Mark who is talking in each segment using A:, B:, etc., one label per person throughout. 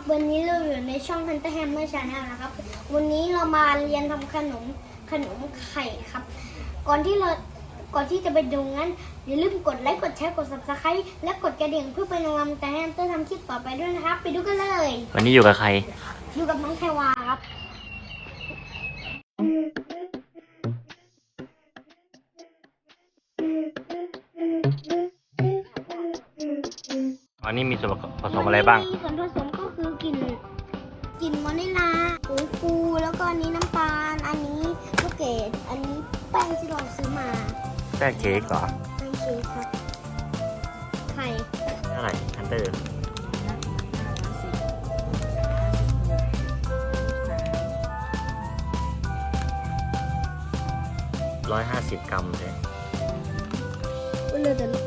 A: วันนี้เราอยู่ในช่อง Hunter Hammer Channel นะครับวันนี้เรามาเรียนทำขนมไข่ครับก่อนที่จะไปดูงั้นอย่าลืมกดไลค์กดแชร์กด Subscribe และกดกระดิ่งเพื่อเป็นกำลังใจให้ Hunter ทำคลิปต่อไปด้วยนะครับไปดูกันเลย
B: วันนี้อยู่กับใคร
A: อยู่กับน้องแพรวาครับ
B: วันนี้มีส่วนผสมอะไรบ้าง
A: ส่วนผสมก็คือกลิ่นวานิลลาผงฟูแล้วก็อันนี้น้ำตาลอันนี้ลูกเกดอันนี้แป้งที่เราซื้อมา
B: แป้งเค้กเหรอ
A: แป้งเค้กครับไข่
B: เท่าไหร่ฮันเตอร์150 กรัมเลย
A: ก็เลยแต่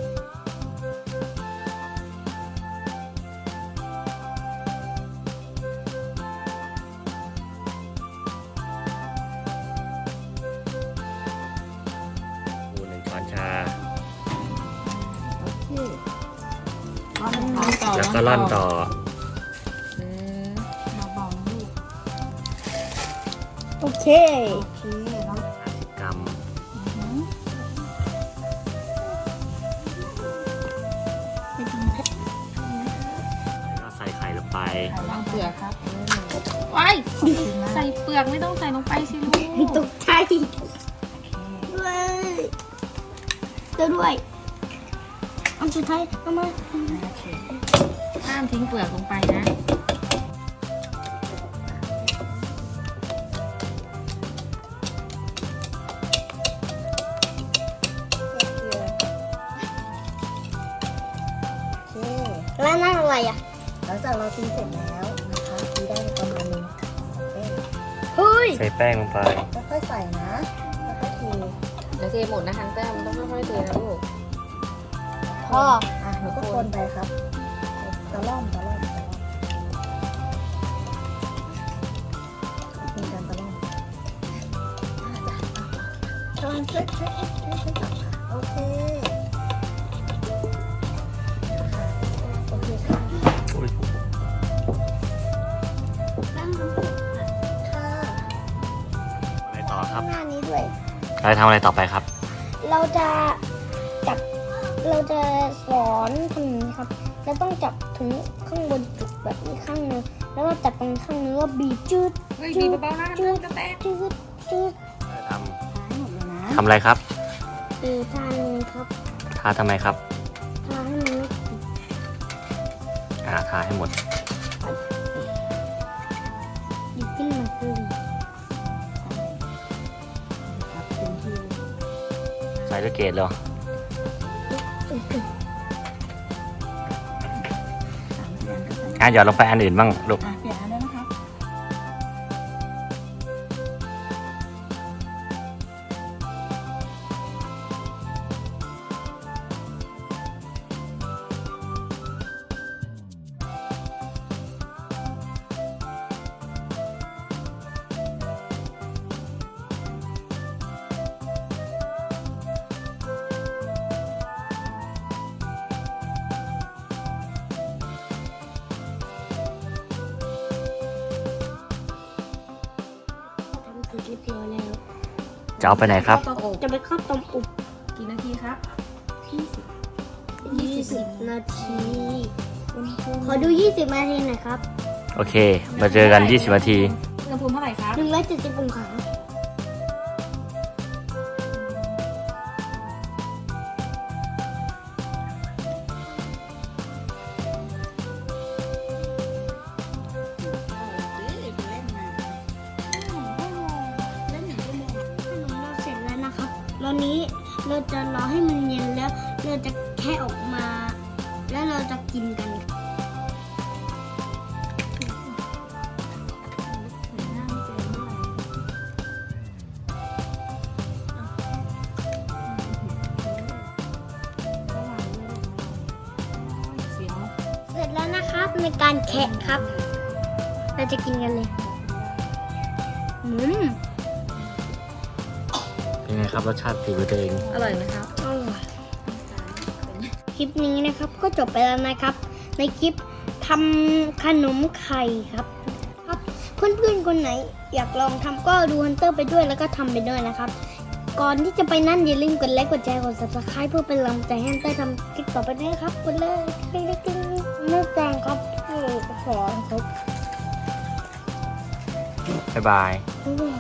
B: 1 ช้อนชา
C: ต่อ
B: แล้วก็ร่อนต่อ
C: มาบอกลูก
A: โอเค
C: โอเคแล้ว
B: 50 กรัมแล้วใส่ไข่ลงไป
C: วางเปลือกครับว้ายใส่เปลือกไม่ต้องใส่ลงไปสิลูก
A: ตกใจด้วยด้วยอันสุดท้ายเอามา
C: โอเคห้ามทิ้งเปลือกลงไปนะโอเค
A: แล้วนั่นอะไรอ่ะ
C: หลังจากเราตีเสร็จแล้วนะคะตีได้ประมาณนึงแป้ง
A: เฮ้ย
B: ใส่แป้งลงไป
C: ค่อยๆใส่นะค่อยๆเทเดี๋ยวเทหมดนะฮันเตอร์มันต้องค่อยๆเทนะลูก
A: พ่อ
C: อ่ะหนูก็คนไปครับตะล่อมมีการตะล่อมตอนช่วยจับค่ะโอเคโอเคค่ะ
B: อุ๊ย
C: ค่ะ
B: อะไรต่อครับ
A: หน้านี้ด้วย
B: เราจะทำอะไรต่อไปครับ
A: เราจะสอนทำอย่างนี้ครับเราต้องจับถึงข้างบนจุกแบบนี้ข้างนึงแล้วก็จับตรงข้างนึงแล้วบีบจืด
C: เฮ้ยบีบเบาๆนะมันจะแตก
A: จืด
B: ท
C: หายหมดเลยนะ
B: ำอะไรครับ
A: ทานเลยครับ
B: ทาทำไมครับ
A: ทานให้มัน
B: ทาให้หมด
A: หยิบขึ้นมาคือ
C: ครับเป็นที่
B: ใส่ลูกเกดเหรอ
C: 3 เดือนก็ใส่
B: หยอดลงไปอันอื่นบ้างลูก
C: เปลี่ยนอันได้ไหมครับ
A: ทำเสร็จเรียบร้อยแล้ว
B: จะเอาไปไหนครับ
C: เข้าเตาอบ
A: จะไปเข้าต้มอบ
C: กี่นาทีครับ
A: 20 นาทีขอดู 20 นาทีหน่อยครับ
B: โอเค มาเจอกัน 20 นาที
C: อุณหภูมิเท่าไหร่ครับ
A: 170 องศาขนมเราเสร็จแล้วนะครับตอนนี้เราจะรอให้มันเย็นแล้วเราจะแค่ออกมา แล้วเราจะกินกันเสร็จแล้วนะครับในการแคะครับ เราจะกินกันเลย
B: เป็นไงครับรสชาติฝีมือตัวเอง
C: อร่อยไหมครับ
A: คลิปนี้นะครับก็จบไปแล้วนะครับ ในคลิปททำขนมไข่ครับ เพื่อนๆคนไหนอยากลองทำก็ดูฮันเตอร์ไปด้วยแล้วก็ทำไปด้วยนะครับ ก่อนที่จะไปนั่นอย่าลืมกดไลค์กดแชร์กด subscribe เพื่อเป็นกำลังใจให้ฮันเตอร์ทำคลิปต่อไปด้วยนะครับกดเลยติ๊งๆๆไม่แจงครับขอครับ
B: บ๊ายบาย
A: บ๊ายบาย